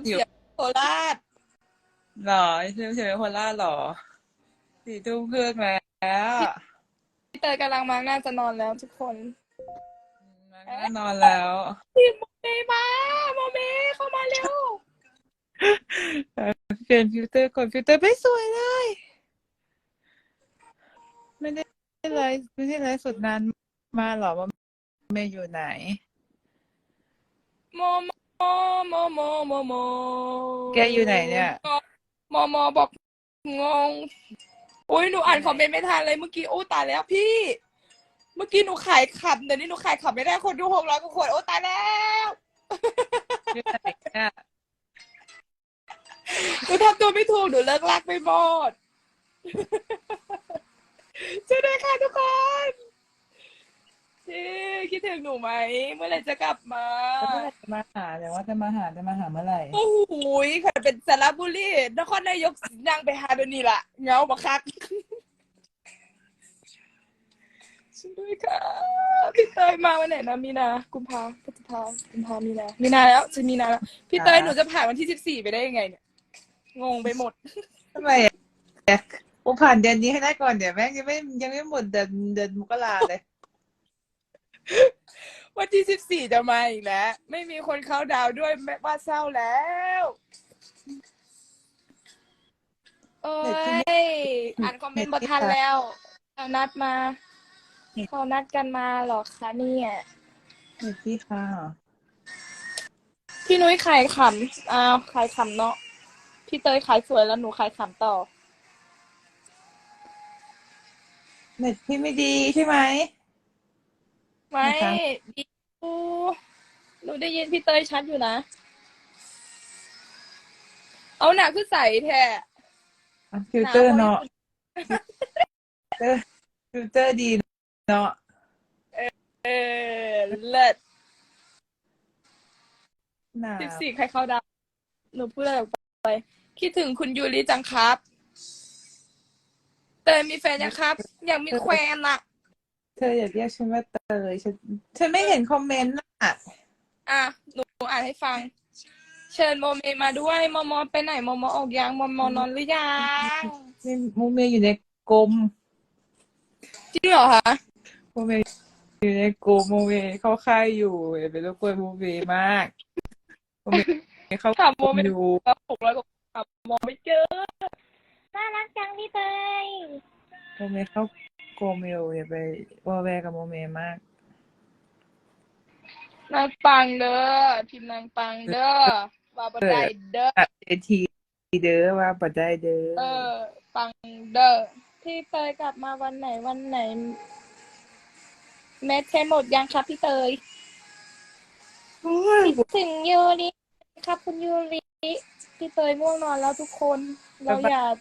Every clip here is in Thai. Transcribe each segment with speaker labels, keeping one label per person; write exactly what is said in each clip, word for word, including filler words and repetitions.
Speaker 1: เสียงโคราช
Speaker 2: หรอซื้อเฉยโคราชหรอสี่ทุ่มครึ่งแล้ว
Speaker 1: พี่เตยกำลังมาน่าจะนอนแล้วทุกคน
Speaker 2: มันก็
Speaker 1: เอ๊ะ
Speaker 2: นอนแล้ว
Speaker 1: พี่โมเมมาโมเมเข้ามาเร็ว
Speaker 2: เปลี่ยนฟิลเตอร์ก่อนฟิลเตอร์ไม่สวยเลยไม่ได้ไลฟ์ไม่ได้ไลฟ์สดนานมาหรอว่าเมย์อยู่ไหน
Speaker 1: โมโมโมโมโมโม
Speaker 2: แกอยู่ไหนเนี่ย
Speaker 1: โมโมบอกงงอุ้ยหนูอ่านคอมเมนต์ไม่ทันเลยเมื่อกี้โอ้ตายแล้วพี่เมื่อกี้หนูขายขับเดี๋ยวนี้หนูขายขับไม่ได้คนดูหกร้อยกว่าคนโอ้ตายแล้ว
Speaker 2: อยู่ไหนเนี่ย
Speaker 1: หนูทำตัวไม่ถูกหนูเลิกลากไปหมดช่วยด้วยค่ะทุกคนพี่คิดถึงหนูไหมเมื่อไหร่จะกลับมา
Speaker 2: แล้วเมื่อไหร่จะมาหาแต่ว่าจะมาหาจะมาหาเมื่อไหร่
Speaker 1: โอ้โหค่ะเป็นสระบุรีนครนายกนั่งไปหาเดี๋ยวนี้ล่ะเหงาบักคักช่วยด้วยค่ะพี่เตยมาวันไหนนะมีนากุมภาพฤษภากุมภามีนามีนาแล้วจะมีนาแล้วพี่เตยหนูจะผ่านวันที่สิบสี่ไปได้ยังไงเนี่ยงงไปหมด
Speaker 2: ทำไมอ่ะกูผ่านเดือนนี้ให้ได้ก่อนเดี๋ยวแม่งยังไม่ยังไม่หมดเดือนเดือนมกราเลย
Speaker 1: วันที่สิบสี่จะมาอีกแล้วไม่มีคนเข้าดาวด้วยแม่ว่าเศร้าแล้วโอ้
Speaker 2: เน็ตที่
Speaker 1: ยอ่านคอมเมนต์บ่
Speaker 2: เน็ตที่
Speaker 1: ทัน
Speaker 2: ค่ะ
Speaker 1: แล้วเอานัดมา
Speaker 2: เน็ต
Speaker 1: เขานัดกันมาหรอคะเนี่ย
Speaker 2: เน็ตที่ค่ะ
Speaker 1: พี่นุ้ยขายขำอ้าวขายขำเนาะพี่เตยขายสวยแล้วหนูขายขำต่อ
Speaker 2: เน็ตพี่ไม่ดีใช่ไหม
Speaker 1: ไม่
Speaker 2: นะคะ
Speaker 1: ดีดูหนูได้ยินพี่เตยชัดอยู่นะเอาหนักคือใส่แท้
Speaker 2: ฟิล
Speaker 1: หนา
Speaker 2: เตอร์
Speaker 1: บริ
Speaker 2: เนาะ
Speaker 1: สุทธิ์
Speaker 2: ฟิลเตอร์ฟิลเตอร์ดีเนาะ
Speaker 1: เออเลิศ
Speaker 2: หนา
Speaker 1: สิบ
Speaker 2: ว
Speaker 1: สี่ใครเข้าดาวหนูพูดอะไรออกไปคิดถึงคุณยูริจังครับเตยมีแฟนยังครับอยากมีแควนอะ
Speaker 2: เธออย่าเรียกฉันว่าเตยฉันฉันไม่เห็นคอมเมนต์อ่ะ
Speaker 1: อ่ะหนูอ่านให้ฟังเชิญโมเมมาด้วยโมโมไปไหนโมโมออกยังโมโมนอนหรือยัง
Speaker 2: นี่มูเมย์อยู่ในกรม
Speaker 1: จริงเหรอคะ
Speaker 2: มูเมย์อยู่ในกรมมูเมย์เข้าค่ายอยู่อย่าไปรบกวนมูเมย์มากมูเมย์เข้า
Speaker 1: ถามโมเม
Speaker 2: กรมอยู่
Speaker 1: แล้วหกร้อยกว่าถามโมไม่เจอน่ารักจังพี่เตย
Speaker 2: มูเมย์เข้ากรมอยู่อย่าไปวอแวกับมูเมย์มาก
Speaker 1: นางปังเด้อพิมพ์นางปังเด้อว่าบันไดเด้อ
Speaker 2: ตัดเอทีเด้อว่าปัดได้เด้
Speaker 1: เอ
Speaker 2: อ
Speaker 1: อปังเด้อพี่เตยกลับมาวันไหนวันไหนแมทใช้หมดยังครับพี่เตย
Speaker 2: โอ้ย
Speaker 1: คิดถึงยูริครับคุณยูริพี่เตยง่วงนอนแล้วทุกคนเราอย่า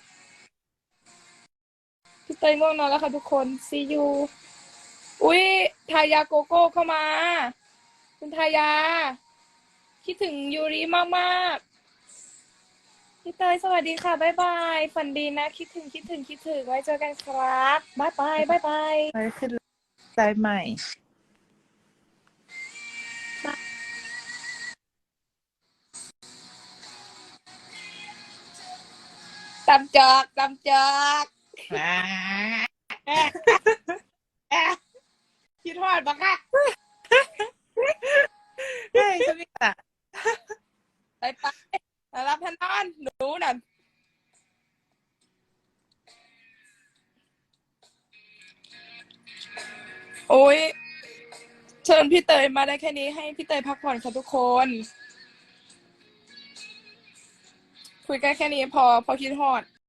Speaker 1: พี่เตยง่วงนอนแล้วค่ะทุกคนซียูอุ้ยทายาโกโก้เข้ามาคุณทายาคิดถึงยูริมากๆพี่เตยสวัสดีค่ะบ๊ายบายฝันดีนะคิดถึงคิดถึงคิดถึงไว้เจอกันครับบ๊ายบายบ๊ายบาย
Speaker 2: ไปขึ้นสายใหม่
Speaker 1: ตำจอกตำจอก
Speaker 2: อ่า
Speaker 1: แอะแอะคิดทอดปะคะ
Speaker 2: เฮ้ยฉันไม่ตัด
Speaker 1: ไปไปรับพนอนหนูนั่นโอ้ยเชิญพี่เตยมาได้แค่นี้ให้พี่เตยพักผ่อนค่ะทุกคนคุยกันแค่นี้พอพอคิดฮอด